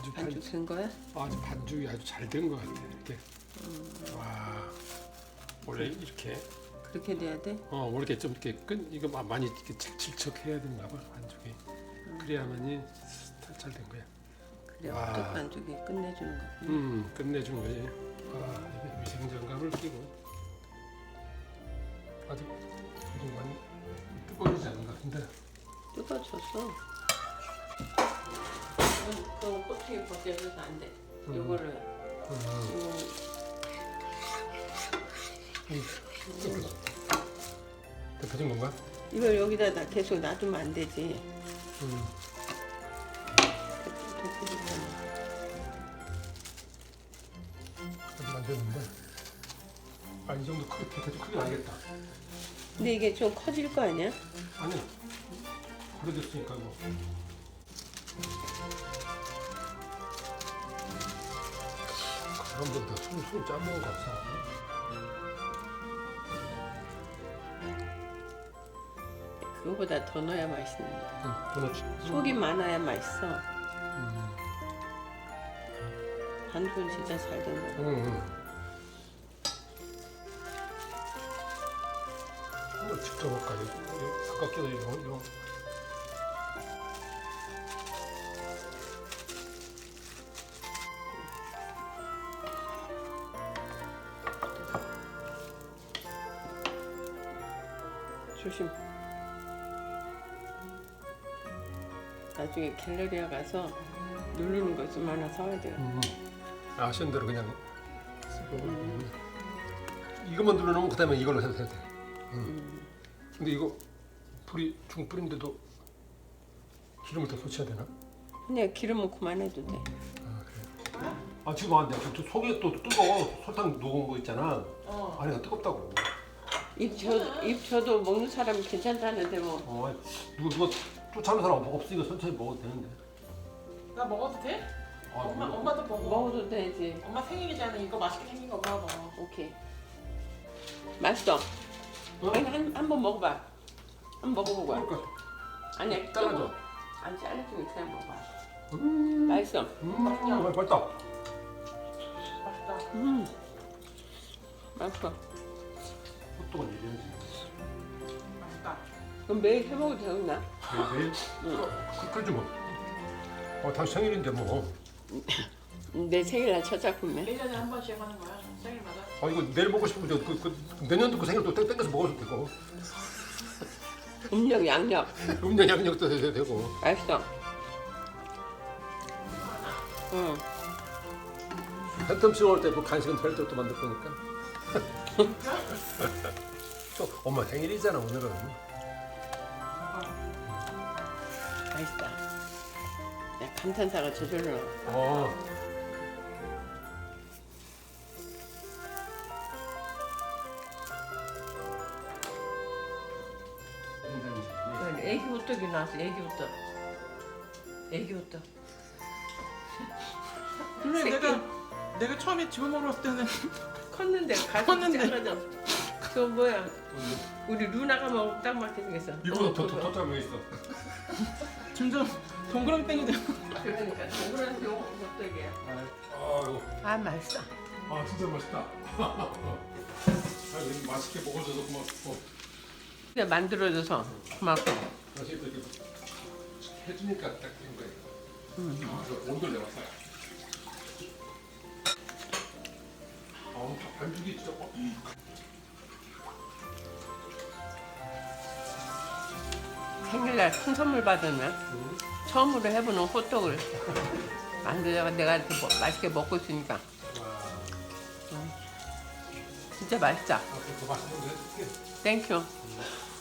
아주 반죽 된 거야? 아주 반죽이 아주 잘 된 것 같아. 이렇게. 와. 원래 이렇게. 그렇게 돼야 돼? 원래 이렇게 좀 이렇게 이거 많이 이렇게 질척해야 되는가 봐 반죽이. 그래야만이 잘 된 거야. 그래 와. 어떤 반죽이 끝내주는 거. 끝내준 거지. 이게 위생장갑을 끼고 아직 많이 뜨거워지지 않은 것 같은데. 뜯어졌어. 그건 꼬투기 벗겨져서 안 돼. 요거를 데펴진 건가? 이걸 여기다 계속 놔두면 안 되지. 아직 안 됐는데. 이 정도 대충 크게 나겠다. 근데 이게 좀 커질 거 아니야? 아니, 그래졌으니까 뭐. 사람들도 술 짜먹은 거 같아. 그거보다 더 넣어야 맛있는데. 그렇지. 속이 많아야 맛있어. 반죽은 진짜 잘 된 거. 직접 먹까지 가깝게도 이런. 조심. 나중에 갤러리아 가서 누르는 거 좀 하나 사와야 돼요. 아쉬운 대로 그냥 쓰고. 이것만 눌러놓으면 그다음에 이걸로 해도 돼. 근데 이거 불이 중불인데도 기름을 더 쏟쳐야 되나? 그냥 기름은 그만해도 돼. 그래. 지금 안 돼. 저 속이 또 뜨거워. 설탕 녹은 거 있잖아. 안에가 뜨겁다고. 입 저도 먹는 사람이 괜찮다는데 뭐. 누가 쫓아오는 사람 없으니까 천천히 먹어도 되는데. 나 먹어도 돼? 몰라. 엄마도 먹어. 먹어도 되지. 엄마 생일이잖아. 이거 맛있게 생긴 거 엄마가 먹어. 오케이. 맛있어. 아니 한번 먹어봐. 한번 먹어보고. 그러니까 아니야. 잘라줘. 안 잘라주면 그냥 먹어봐. 맛있어. 맛있다. 맛있다. 맛있어. 호떡은 이래야지. 맛있다. 그럼 매일 해 먹어도 되겠나? 매일? 그러지 뭐. 다시 생일인데 뭐. 내 생일날 첫 작품이야. 1년에 한 번씩 하는 거야. 생일마다. 이거 내일 먹고 싶으면 내년도 그 생일 또 땡겨서 먹어도 되고. 음력 양력. 음료 양력도 해도 되고. 맛있어. 응. 팬텀 올 때 그 간식은 별도 또 만들 거니까. 또 엄마 생일이잖아 오늘은. 맛있다. 야, 감탄사가 저절로 나와. 어. 애기 호떡이 나왔어. 애기 호떡. 애기 호떡. 근데 내가 처음에 지금 먹었을 때는 컸는데 가슴이 컸는데. 작아져. 저 뭐야? 우리 루나가 먹으면 딱 맞게 생겼어. 이거보다 더 짧은 게 있어. 점점 동그라미 땡기더 그러니까 동그란 호떡이야. 아 맛있어. 진짜 맛있다. 맛있게 먹어줘서 고맙고. 그냥 만들어줘서 고맙고. 맛있게 이렇게 해주니까 딱 된 거예요. 온도를 내봤어요. 반죽이 진짜. 생일날 큰 선물 받으면 처음으로 해보는 호떡을 만들다가 내가 이렇게 맛있게 먹고 있으니까 진짜 맛있다. 더 맛있는 거 해줄게. 땡큐.